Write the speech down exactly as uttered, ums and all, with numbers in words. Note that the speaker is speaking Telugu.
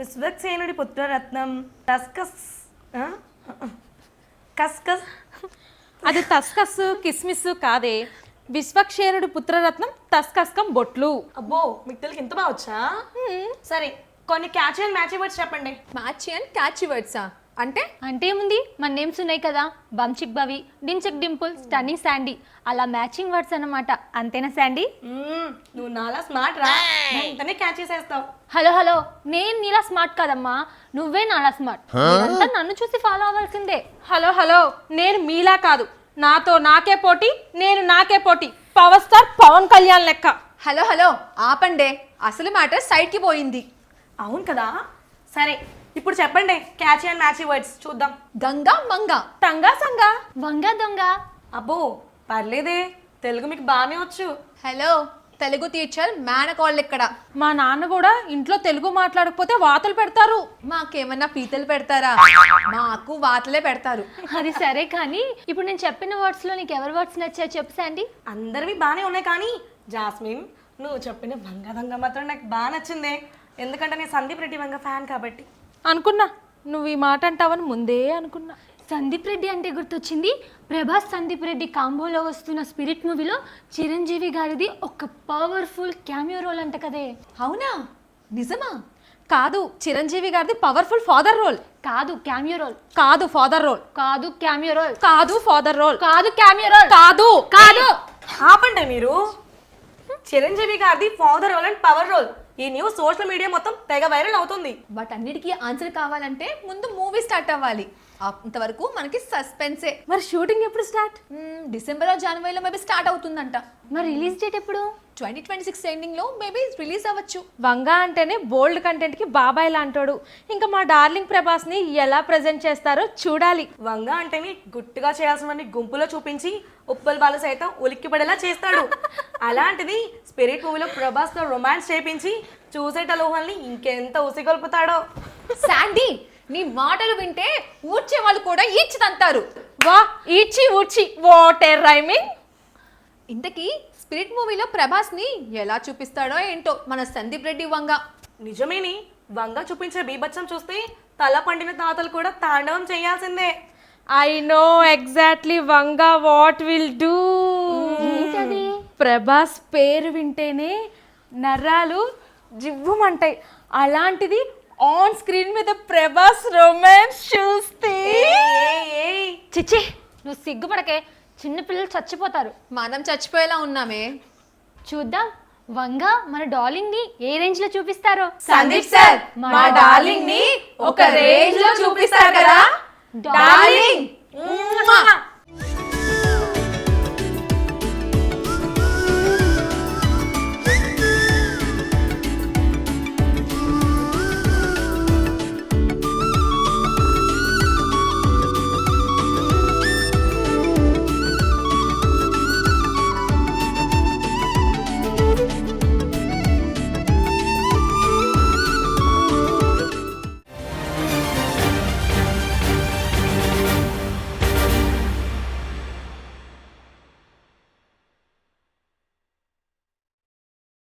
విశ్వక్సేనుడి పుత్రరత్నం టస్కస్ ఆ? కస్కస్ అది తస్కస్ కిస్మిస్ కాదే, విశ్వక్షేణుడి పుత్రరత్నం తస్కస్కం బొట్లు. అబ్బో మీకు తెలుగు ఇంత బాగా వచ్చా? సరే కొన్ని క్యాచ్ అండ్ మ్యాచ్ వర్డ్స్ చెప్పండి. మ్యాచ్ అండ్ క్యాచ్ వర్డ్సా అంటే? అంటే ఏముంది, మన నేమ్స్ ఉన్నాయి కదా, బంచిక్ బవి, డించక్ డింపుల్, స్టన్నింగ్ శాండీ, అలా మ్యాచింగ్ వర్డ్స్ అన్నమాట. అంతేనా శాండీ? మ్మ్, నువ్వు నాలా స్మార్ట్ రా, వెంటనే క్యాచ్ చేసేస్తావు. హలో హలో, నేను నీలా స్మార్ట్ కదమ్మా, నువ్వే నాలా స్మార్ట్. మీరంతా నన్ను చూసి ఫాలో అవ్వాల్సిందే. హలో హలో, నేను మీలా కాదు, నాతో నాకే పోటీ, నేను నాకే పోటీ, పవర్ స్టార్ పవన్ కళ్యాణ్ లెక్క. హలో హలో ఆపండే, అసలు మ్యాటర్ సైడ్కి పోయింది. అవును కదా. సరే ఇప్పుడు చెప్పండి క్యాచ్ అండ్ మ్యాచ్ వర్డ్స్ చూద్దాం. గంగా మంగా. టంగా సంగా. వంగ దొంగ. అబ్బో పర్లేదే, తెలుగు మీకు బాగానే వచ్చు. హలో తెలుగు టీచర్ మేనకోళ్ళు ఇక్కడ. మా నాన్న కూడా ఇంట్లో తెలుగు మాట్లాడకపోతే వాతలు పెడతారు. మాకేమన్నా పీతలు పెడతారా? మాకు వాతలే పెడతారు. అది సరే కానీ ఇప్పుడు నేను చెప్పిన వర్డ్స్ లో నీకు ఎవరి వర్డ్స్ నచ్చాయో చెప్పు శాండీ. అందరివి బాగానే ఉన్నాయి కానీ జాస్మిన్ నువ్వు చెప్పిన వంగ దొంగ మాత్రం నాకు బాగా నచ్చిందే, ఎందుకంటే నేను సందీప్ రెడ్డి వంగ ఫ్యాన్ కాబట్టి. అనుకున్నా నువ్వు ఈ మాట అంటావని ముందే అనుకున్నా. సందీప్ రెడ్డి అంటే గుర్తొచ్చింది, ప్రభాస్ సందీప్ రెడ్డి కాంబోలో వస్తున్న స్పిరిట్ మూవీలో చిరంజీవి గారిది ఒక పవర్ఫుల్ క్యామియో రోల్ అంట కదే. అవునా, నిజమా? కాదు, చిరంజీవి గారిది పవర్ఫుల్ ఫాదర్ రోల్. కాదు క్యామియో రోల్. కాదు ఫాదర్ రోల్. కాదు క్యామియో రోల్. కాదు ఫాదర్ రోల్. కాదు క్యామియో రోల్. కాదు కాదు. ఆపండి మీరు. చిరంజీవి గారిది father role and power role. ఈ న్యూస్ సోషల్ మీడియా మొత్తం తెగ వైరల్ అవుతుంది. బట్ అన్నిటికీ ఆన్సర్ కావాలంటే ముందు మూవీ స్టార్ట్ అవ్వాలి. అంతవరకు మనకి సస్పెన్సే. మరి షూటింగ్ ఎప్పుడు స్టార్ట్? డిసెంబర్ జనవరిలో మేబీ స్టార్ట్ అవుతుందంట. మరి రిలీజ్ డేట్ ఎప్పుడు? ట్వంటీ ట్వంటీ సిక్స్ ఎండింగ్ లో మేబీ రిలీజ్ అవ్వచ్చు. వంగ అంటేనే బోల్డ్ కంటెంట్ కి బాబాయ్ లాంటోడు. ఇంకా మా డార్లింగ్ ప్రభాస్ ని ఎలా ప్రెజెంట్ చేస్తారో చూడాలి. వంగ అంటేనే గుట్టుగా చేయాల్సినవన్నీ గుంపులో చూపించి ఉప్పల్ బాలు సైతం ఉలిక్కి పడేలా చేస్తాడు. అలాంటిది స్పిరిట్ మూవీలో ప్రభాస్ తో రొమాన్స్ చేపించి చూసేటలోహల్ని ఇంకెంత ఉసిగొల్పుతాడో. శాండీ, నీ మాటలు వింటే ఊడ్చే వాళ్ళు కూడా ఈడ్చి తంతారు. వా ఈడ్చి ఊడ్చి వాట్ ఏ రైమింగ్. ఇంతకీ స్పిరిట్ మూవీలో ప్రభాస్ ని ఎలా చూపిస్తాడో ఏంటో మన సందీప్ రెడ్డి వంగ. నిజమేని, వంగ చూపించే బీభత్సం చూస్తే తల పండిన తాతలు కూడా తాండవం చేయాల్సిందే. I know exactly Vanga what will do. ఏంటది? ప్రభాస్ పేరు వింటేనే నరాలు జివ్వుమంటాయి. అలాంటిది ఆన్ స్క్రీన్ మీద ప్రభాస్ రొమాన్స్ చూస్తే చిచ్చి, నువ్వు సిగ్గుపడకే, చిన్నపిల్లలు చచ్చిపోతారు. మనం చచ్చిపోయేలా ఉన్నామే. చూద్దాం వంగ మన డార్లింగ్ ని ఏ రేంజ్ లో చూపిస్తారో. సందీప్ సార్, మా డార్లింగ్ ని ఒక రేంజ్ లో చూపిస్తారు కదా. డార్లింగ్.